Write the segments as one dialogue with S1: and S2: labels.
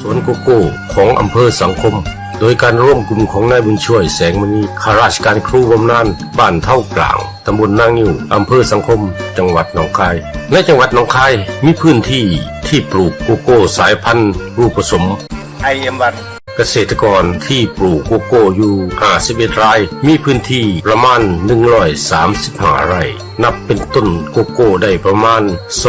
S1: วนโกโก้ของอำเภอสังคมโดยการร่วมกลุ่มของนายบุญช่วยแสงมณีข้าราชการครูบำนาญบ้านเท่ากลางตำบลนางงิ้วอำเภอสังคมจังหวัดหนองคายในจังหวัดหนองคายมีพื้นที่ที่ปลูกโกโก้สายพันธุ์รูปผสม
S2: IM1
S1: เกษตรกรที่ปลูกโกโก้อยู่51รายมีพื้นที่ประมาณ135ไร่นับเป็นต้นโกโก้ได้ประมาณ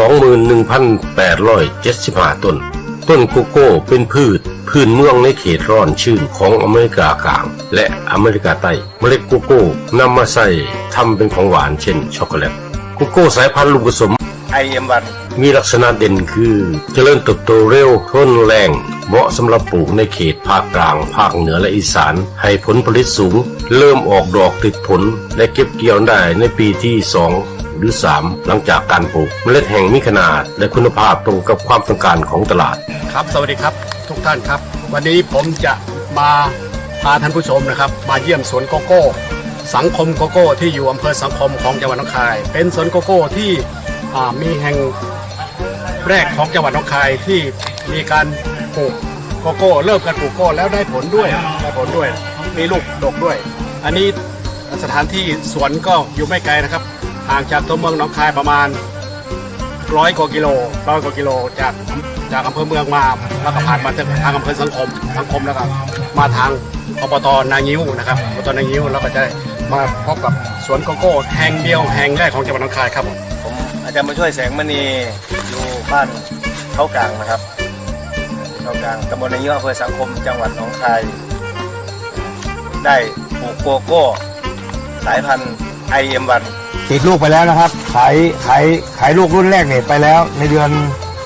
S1: 21,875 ต้นโกโก้เป็นพืชพื้นเมืองในเขตร้อนชื้นของอเมริกากลางและอเมริกาใต้เมล็ดโกโก้นำมาใส่ทำเป็นของหวานเช่นช็อกโกแลตโกโก้สายพันธุ์ลูกผสม
S2: IM1
S1: มีลักษณะเด่นคือเจริญเติบโตเร็วทนแรงเหมาะสำหรับปลูกในเขตภาคกลางภาคเหนือและอีสานให้ผลผลิตสูงเริ่มออกดอกติดผลและเก็บเกี่ยวได้ในปีที่2หรือ3หลังจากการปลูกเมล็ดแห่งมีขนาดและคุณภาพตรงกับความต้องการของตลาด
S3: ครับสวัสดีครับทุกท่านครับวันนี้ผมจะมาพาท่านผู้ชมนะครับมาเยี่ยมสวนโกโก้สังคมโกโก้ที่อยู่อำเภอสังคมของจังหวัดหนองคายเป็นสวนโกโก้ที่มีแห่งแรกของจังหวัดหนองคายที่มีการปลูกโกโก้เริ่มการปลูกโกโก้แล้วได้ผลด้วยมีลูกดกด้วยอันนี้สถานที่สวนก็อยู่ไม่ไกลนะครับห่างจากตัวเมืองหนองคายประมาณ100 กว่ากิโลจากอำเภอเมืองมาแล้วก็ผ่านมาทางอำเภอสังคมแล้วก็มาทางอบต.นางิ้วนะครับอบต.นางิ้วแล้วก็จะมาพบกับสวนโกโก้แห่งเดียวแห่งแรกของจังหวัดหนองคายครับ
S2: ผมอาจารย์มาช่วยแสงมณีอยู่บ้านเขากลางนะครับเขากลางตำบลนางิ้วอำเภอสังคมจังหวัดหนองคายได้ปลูกโกโก้สายพันธุ์ IM1
S4: ติดลูกไปแล้วนะครับขายลูกรุ่นแรกเนี่ยไปแล้วในเดือน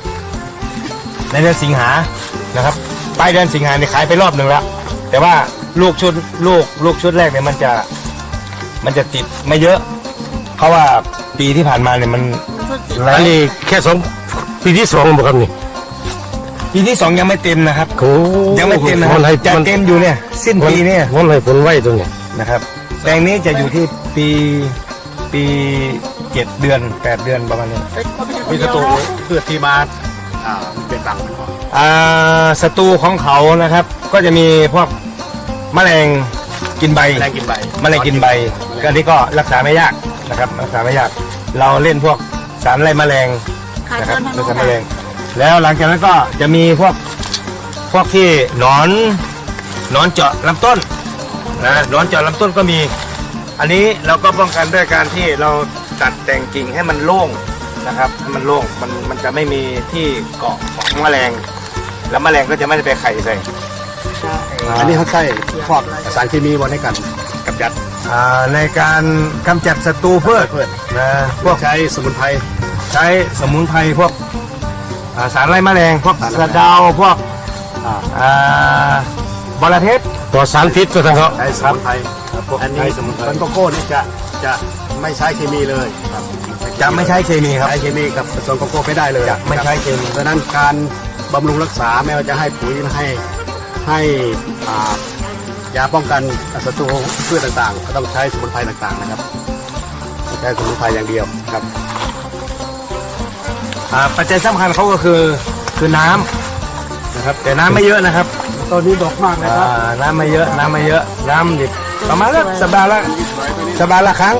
S4: สิงหานะครับปลายเดือนสิงหาเนี่ยขายไปรอบหนึ่งแล้วแต่ว่าลูกชุดแรกเนี่ยมันจะติดไม่เยอะเพราะว่าปีที่ผ่านมาเนี่ยมัน
S1: อันนี้แค่ปีที่2บ่ครับนี่
S4: ปีที่2ยังไม่เต็มนะครับยังไม่เต็มนะครับจะเต็มอยู่เนี่ยสิ้นปีเนี่ย
S1: วันให้ผลไว้ตรงนี้
S4: นะครับแปลงนี้จะอยู่ที่ปี7 เดือน 8 เดือนประมาณนี้
S3: มีศัตรูพืชที่มาเป็นหลัก
S4: ศัตรูของเขานะครับก็จะมีพวกแมลงกินใบก็นี้ก็รักษาไม่ยากนะครับรักษาไม่ยากเราเล่นพวกสารไล่แมลงนะครับรักษาแมลงแล้วหลังจากนั้นก็จะมีพวกที่หนอนเจาะลำต้นนะหนอนเจาะลำต้นก็มีอันนี้เราก็ป้องกันด้วยการที่เราตัดแต่งกิ่งให้มันโล่งนะครับให้มันโล่งมันจะไม่มีที่เกาะของแมลงแล้วแมลงก็จะไม่ได้ไปไข่ใส่
S3: อันนี้เขาใช้พวกสารเคมีบนให้กันกำจัด
S4: ในการกำจัดศัตรูพืชนะพวก
S3: ใช้สมุนไพร
S4: พวกสารไล่แมลงพวกสะเดาพวกบอระเพ็ด
S1: ต่อสารพิษก็ทั้งเขา
S3: ใช้สมุนไพรอันนี้ต้นโกโก้นี่จะไม่ใช้เคมีเลย
S4: จะไม่ใช้เคมีครับ
S3: ใช้เคมีกับผสมโกโก้ไม่ได้เลย
S4: จะไม่ใช้เคมี
S3: เพราะนั้นการบำรุงรักษาไม่ว่าจะให้ปุ๋ยให้ยาป้องกันศัตรูพืชต่างๆก็ต้องใช้สมุนไพรต่างๆนะครับใช้สมุนไพรอย่างเดียวครับ
S4: ปัจจัยสำคัญเขาก็คือน้ำนะครับแต่น้ำไม่เยอะนะครับ
S3: ตอนนี้ดกมากเลยครับ
S4: น้ำไม่เยอะน้ำดิบประมาณสัปดาห์ละครั้ง